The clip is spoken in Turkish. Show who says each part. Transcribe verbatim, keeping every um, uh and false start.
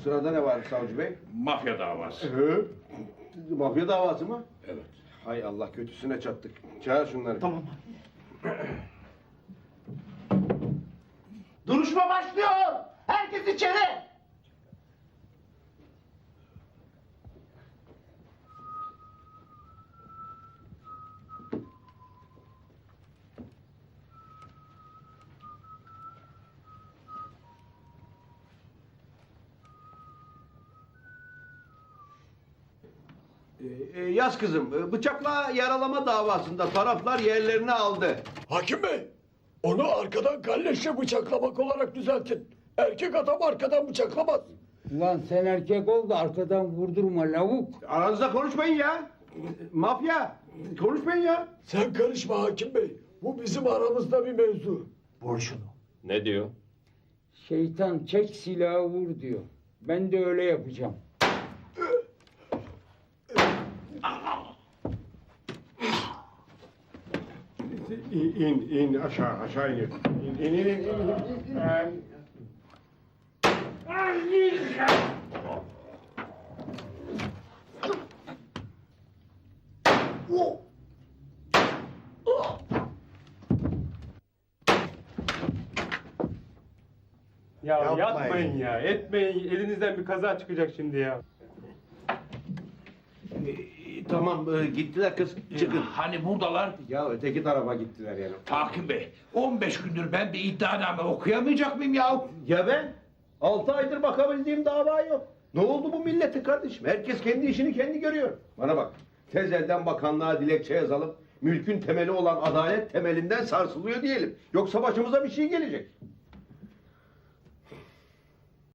Speaker 1: Sırada ne var savcı bey?
Speaker 2: Mafya davası.
Speaker 1: Hı? Mafya davası mı?
Speaker 2: Evet.
Speaker 1: Hay Allah, kötüsüne çattık. Çağır şunları.
Speaker 3: Tamam.
Speaker 4: Duruşma başlıyor. Herkes içeri.
Speaker 1: Ee, yaz kızım, bıçakla yaralama davasında taraflar yerlerini aldı.
Speaker 5: Hakim Bey, onu arkadan kalleşle bıçaklamak olarak düzeltin. Erkek adam arkadan bıçaklamaz.
Speaker 6: Ulan sen erkek ol da arkadan vurdurma lavuk.
Speaker 1: Aranızda konuşmayın ya. Mafya, konuşmayın ya.
Speaker 5: Sen karışma Hakim Bey. Bu bizim aramızda bir mevzu.
Speaker 3: Vur şunu.
Speaker 2: Ne diyor?
Speaker 6: Şeytan çek silahı vur diyor. Ben de öyle yapacağım.
Speaker 1: İn, in, in aşağı, aşağı in. İn, in, in, in, in. in.
Speaker 7: Ya
Speaker 3: Yapmayın.
Speaker 7: yapmayın ya, etmeyin. Elinizden bir kaza çıkacak şimdi ya.
Speaker 1: Ee, Tamam, e, gittiler kız, çıkın.
Speaker 2: Hani buradalar?
Speaker 1: Ya öteki tarafa gittiler yani.
Speaker 2: Hakim Bey, on beş gündür ben bir iddianame okuyamayacak mıyım ya?
Speaker 1: Ya ben? Altı aydır bakabildiğim dava yok. Ne oldu bu millete kardeşim? Herkes kendi işini kendi görüyor. Bana bak, tez elden bakanlığa dilekçe yazalım. Mülkün temeli olan adalet temelinden sarsılıyor diyelim. Yoksa başımıza bir şey gelecek.